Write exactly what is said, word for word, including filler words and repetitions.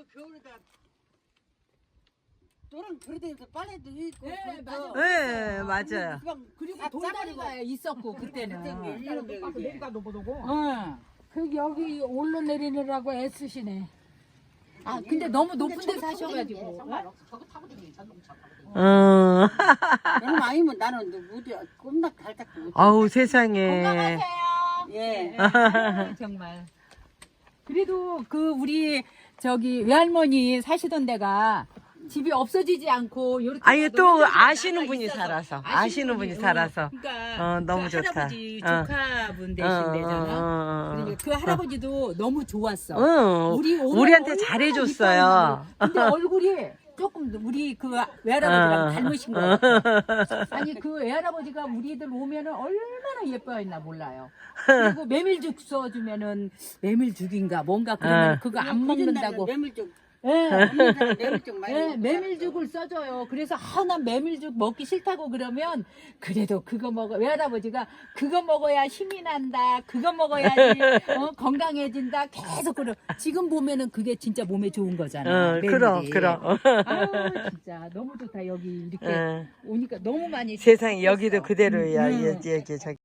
겨울에다 노랑 그릇에서 빨래도 있고. 네, 그래서 맞아요. 네, 맞아요. 막 그리고 다 돌다리가 짜버리고. 있었고 그때는. 이런 거 응. 그 여기 올라내리느라고 애쓰시네. 아 근데 너무 높은 데 사셔가지고. 저거 타고 다니는 자동차 타고 다니는. 어. 너무 아니면 나는 너 무대 꼼닥 달짝도 못. 아우 세상에. 건강하세요. 예. 네, 정말. 그래도 그 우리 저기 외할머니 사시던 데가 집이 없어지지 않고 요렇게 아니, 또 너무 아시는 나가 분이 있어서. 살아서, 아시는 분이 살아서. 그러니까 어, 너무 그 좋다. 할아버지 어. 조카분 어, 되신대잖아. 어, 어, 어. 그러니까 그 할아버지도 너무 좋았어. 응, 우리 오늘 우리한테 얼마나 잘해줬어요. 이뻐하냐고. 근데 얼굴이 조금 우리 그 외할아버지랑 어. 닮으신 거 같아. 아니 그 외할아버지가 우리들 오면은 얼마나 예뻐했나 몰라요. 그리고 메밀죽 써주면은 메밀죽인가 뭔가 그러면 어. 그거 안 먹는다고. 메밀죽. 예. 메밀죽 많이. 예, 먹고 메밀죽을 써줘요. 그래서 아, 난 메밀죽 먹기 싫다고 그러면 그래도 그거 먹어. 외할아버지가 그거 먹어야 힘이 난다. 그거 먹어야지 어, 건강해진다. 계속 그러. 지금 보면은 그게 진짜 몸에 좋은 거잖아. 어, 메밀이. 그럼, 그럼. 아우 진짜 너무 좋다. 여기 이렇게 응. 오니까 너무 많이. 세상에 여기도 그대로야. 음, 음. 여기, 여기, 저기.